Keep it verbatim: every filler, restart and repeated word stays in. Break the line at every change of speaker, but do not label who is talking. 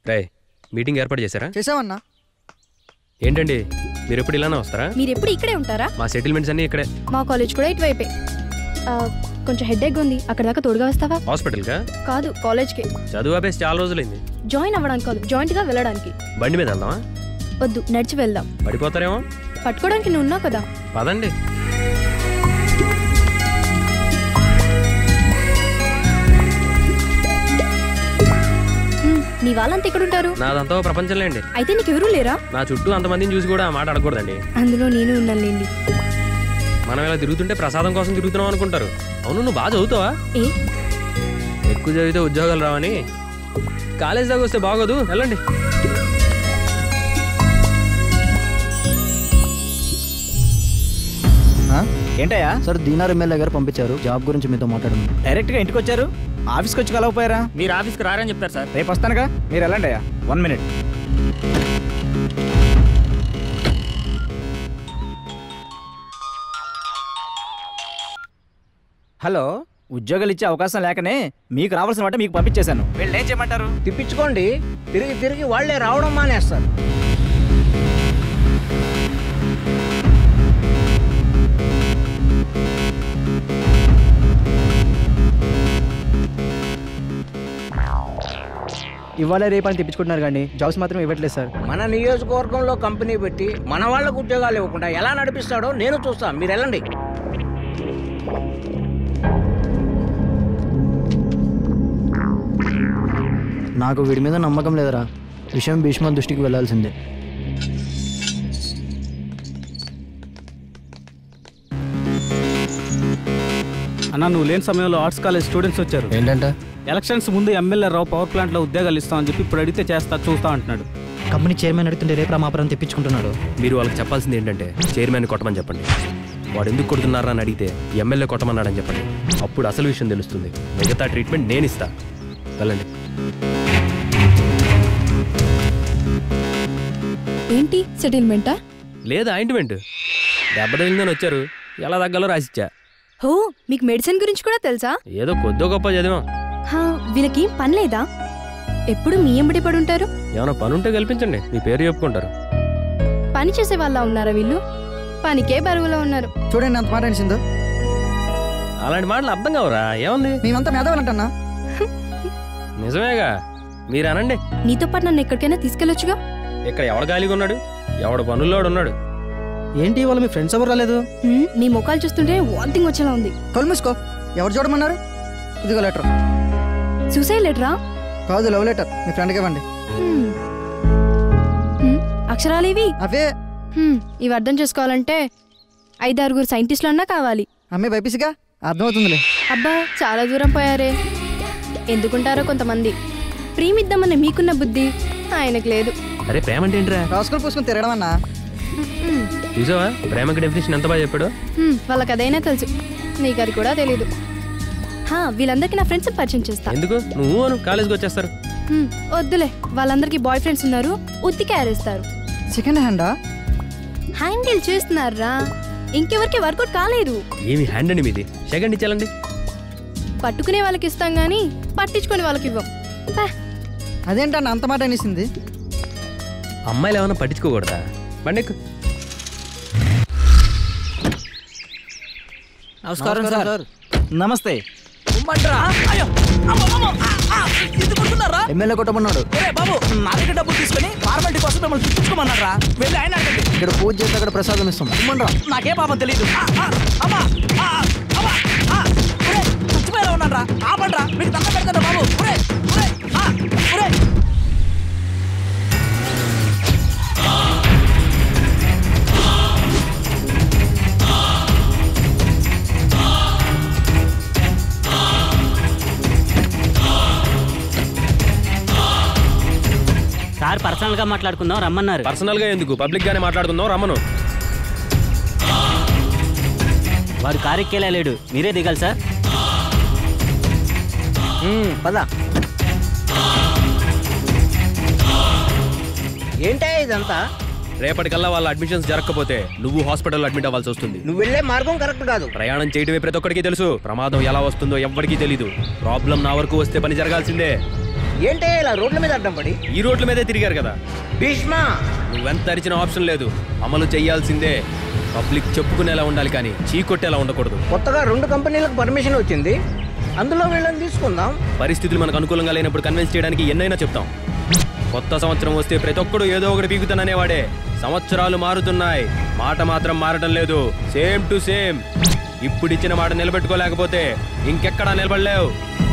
రే meeting ఏర్పాటు చేశారా?
చేసామన్నా.
ఏంటండి మీరు ఎప్పుడు ఇలానే వస్తారా?
మీరు ఎప్పుడు ఇక్కడే ఉంటారా?
మా సెటిల్మెంట్స్ అన్ని ఇక్కడే.
మా కాలేజ్ కూడా ఇటువైపే. కొంచెం హెడేక్ ఉంది, అక్కడ దాకా తోడుగా వస్తావా?
హాస్పిటల్ కా?
కాదు, కాలేజ్కి.
చదువు ఆపేసి చాలా రోజులైంది.
జాయిన్ అవ్వడానికి కాదు, జాయింట్ గా వెళ్ళడానికి.
బండి మీద వెళ్దామా?
వద్దు, నడిచి వెళ్దాం.
పడిపోతారేమో.
పట్టుకోవడానికి నువ్వు ఉన్నావు కదా.
పదండి.
నీ వాళ్ళంతా ఇక్కడ ఉంటారు.
నాదంతా ప్రపంచంలో అండి.
అయితే నీకు ఎవరూ లేరా?
నా చుట్టూ అంతమందిని చూసి కూడా ఆ మాట అడగకూడదండి.
అందులో నేను ఉన్నానులేండి.
మనం ఇలా తిరుగుతుంటే ప్రసాదం కోసం తిరుగుతున్నాం అనుకుంటారు. అవును, నువ్వు బాగా చదువుతావా?
ఏ
ఎక్కువ చదివితే ఉద్యోగాలు రావని. కాలేజ్ దాకా వస్తే బాగోదు, వెళ్ళండి.
ఏంటయ్యా? సార్ దీనార్ ఎమ్మెల్యే గారు పంపించారు జాబ్ గురించి మీతో మాట్లాడమని. డైరెక్ట్ గా ఇంటికి వచ్చారు, ఆఫీస్కి వచ్చి కలవపోయారా?
మీరు ఆఫీస్కి రారని చెప్తారు సార్.
రేపు వస్తానుగా, మీరు వెళ్ళండి అయ్యా. One minute. హలో, ఉద్యోగాలు ఇచ్చే అవకాశం లేకనే మీకు రావాల్సిన వాటి మీకు పంపించేశాను. వీళ్ళు ఏం చేయమంటారు?
తిప్పించుకోండి. తిరిగి తిరిగి వాళ్లే రావడం మానేస్తారు.
ఇవాళ రేపని తెప్పించుకుంటున్నారు కానీ జాబ్స్ మాత్రం ఇవ్వట్లేదు సార్.
మన నియోజకవర్గంలో కంపెనీ పెట్టి మన వాళ్ళకు ఉద్యోగాలు ఇవ్వకుండా ఎలా నడిపిస్తాడో నేను చూస్తాను. మీరు వెళ్ళండి.
నాకు వీడి మీద నమ్మకం లేదరా. విషయం భీష్మ దృష్టికి వెళ్లాల్సిందే.
అన్న, నువ్వు లేని సమయంలో ఆర్ట్స్ కాలేజ్ స్టూడెంట్స్ వచ్చారు.
ఏంటంటే
ఎలక్షన్స్ ముందు ఎమ్మెల్యే రావు పవర్ ప్లాంట్లో ఉద్యోగాలు ఇస్తామని చెప్పి ఇప్పుడు అడిగితే చేస్తా చూస్తా అంటున్నాడు.
కంపెనీ చైర్మన్ అడుగుతుంటే రేపు రామాపురం తెప్పించుకుంటున్నాడు.
మీరు వాళ్ళకి చెప్పాల్సింది ఏంటంటే చైర్మన్ కొట్టమని చెప్పండి. వాడు ఎందుకు కొడుతున్నారా అని అడిగితే ఎమ్మెల్యే కొట్టమన్నాడని చెప్పండి. అప్పుడు అసలు విషయం తెలుస్తుంది. మిగతా ట్రీట్మెంట్ నేను ఇస్తా. వెళ్ళండి.
ఏంటి సెటిల్మెంటా?
లేదా ఆయింట్మెంట్. దెబ్బ తగిలిందని వచ్చారు, ఎలా తగ్గాలో రాసిచ్చా.
హో, మీకు మెడిసిన్ గురించి కూడా తెలుసా?
ఏదో కొద్దో గొప్ప చదివాం.
వీళ్ళకి పని లేదా? ఎప్పుడు మీ ఎంబడి పడి ఉంటారు.
ఏమైనా పని ఉంటే కల్పించండి, మీ పేరు చెప్పుకుంటారు.
పని చేసే వాళ్ళ ఉన్నారా వీళ్ళు? పనికే బరువులో ఉన్నారు.
చూడండి అంత మాట అనిసిందో.
అలాంటి మాటలు అర్థం కావరా? ఏముంది,
మేమంతా మేధావాలంటన్నా.
నిజమేగా, మీరు అనండి.
నీతో పాటు నన్ను ఎక్కడికైనా తీసుకెళ్ళొచ్చుగా.
ఇక్కడ ఎవడు ఖాళీగా ఉన్నాడు? ఎవడు పనుల్లోడు ఉన్నాడు.
ఏంటి వాళ్ళ మీ ఫ్రెండ్స్ ఎవరు రాలేదు?
మీ ముఖాలు చూస్తుంటే వాంతింగ్ వచ్చేలా ఉంది.
కళ్ళు మూసుకో. ఎవరు చూడమన్నారు? ఇదిగో లెటర్.
సూసైడ్ లెటరా?
కాదు, లవ్ లెటర్. మీ ఫ్రెండ్కి ఇవ్వండి.
అక్షరాలు ఇవి
అవే.
ఇవి అర్థం చేసుకోవాలంటే ఐదారుగురు సైంటిస్టులు అన్నా కావాలి.
అమ్మే బైపీసీగా అర్థమవుతుందిలే.
అబ్బా, చాలా దూరం పోయారే. ఎందుకుంటారో కొంతమంది. ప్రేమిద్దామన్న మీకున్న బుద్ధి ఆయనకు లేదు.
అరే ప్రేమ అంటే ఏంట్రా?
రాసుకొని పూసుకొని తిరగడం అన్నా.
చూసావా ప్రేమకి డెఫినేషన్ ఎంత బాగా చెప్పాడు.
వాళ్ళకి అదైనా తెలుసు, నీకు అది కూడా తెలీదు. వీళ్ళందరికీ నా ఫ్రెండ్స్ పరిచయం చేస్తా.
ఎందుకు? నువ్వు అను, కాలేజ్కి వచ్చేస్తారు.
వద్దులే, వాళ్ళందరికీ బాయ్ ఫ్రెండ్స్ ఉన్నారు, ఉత్తికి ఆరేస్తారు.
సెకండ్ హ్యాండా?
హ్యాండిల్ చేస్తున్నారా? ఇంకెవరికి వర్కౌట్ కాలేదు.
ఏమి హ్యాండ్ అండి మీది? సెకండ్ ఇచ్చాలండి.
పట్టుకునే వాళ్ళకి ఇస్తాం గానీ పట్టించుకునే వాళ్ళకి ఇవ్వం.
అదేంటన్నా అంత మాట అనేసింది?
అమ్మాయిలు ఏమైనా పట్టించుకోకూడదా? బండెక్కు.
నమస్కారం సార్.
నమస్తే. ఎమ్మెల్యే కొట్టమన్నాడు.
బాబు, నా దగ్గర డబ్బులు తీసుకుని ఫార్మాలిటీ కోసం మిమ్మల్ని చూపించుకోమన్నారా? వెళ్ళి ఆయన అడగండి.
ఇక్కడ పూజ చేస్తే అక్కడ ప్రసాదం ఇస్తాం.
నాకే పాపం తెలీదు. చచ్చిపోయేలా ఉన్నారా? ఆపండ్రా, మీకు దండ పెడతారా బాబు.
సార్ పర్సనల్ గా మాట్లాడుకుందాం రమ్మన్నారు.
పర్సనల్ గా ఎందుకు, పబ్లిక్ గానే మాట్లాడుకుందాం, రమ్మను.
వాడు కారెక్కేలా లేడు, మీరే దిగాలి సార్.
పద. ఏంటా ఇదంతా?
రేపటికల్లా వాళ్ళ అడ్మిషన్స్ జరగకపోతే నువ్వు హాస్పిటల్లో అడ్మిట్ అవ్వాల్సి వస్తుంది.
నువ్వు వెళ్ళే మార్గం కరెక్ట్ కాదు.
ప్రయాణం చేయడమే ప్రతి ఒక్కడికి తెలుసు. ప్రమాదం ఎలా వస్తుందో ఎవ్వడికి తెలీదు. ప్రాబ్లం నా వరకు వస్తే పని జరగాల్సిందే.
ఏంటే ఇలా రోడ్ల మీద అడ్డం పడి?
ఈ రోడ్ల మీదే తిరిగారు కదా.
భీష్మ,
నువ్వెంత అరిచిన ఆప్షన్ లేదు, అమలు చేయాల్సిందే. పబ్లిక్ చెప్పుకునేలా ఉండాలి కానీ చీకొట్టేలా ఉండకూడదు.
కొత్తగా రెండు కంపెనీలకు పర్మిషన్ వచ్చింది, అందులో వీళ్ళని తీసుకుందాం.
పరిస్థితులు మనకు అనుకూలంగా లేనప్పుడు కన్విన్స్ చేయడానికి ఎన్నైనా చెప్తాం. కొత్త సంవత్సరం వస్తే ప్రతి ఒక్కడు ఏదో ఒకటి పీకుతాననేవాడే. సంవత్సరాలు మారుతున్నాయి, మాట మాత్రం మారడం లేదు. Same to same. ఇప్పుడు ఇచ్చిన మాట నిలబెట్టుకోలేకపోతే ఇంకెక్కడా నిలబడలేవు.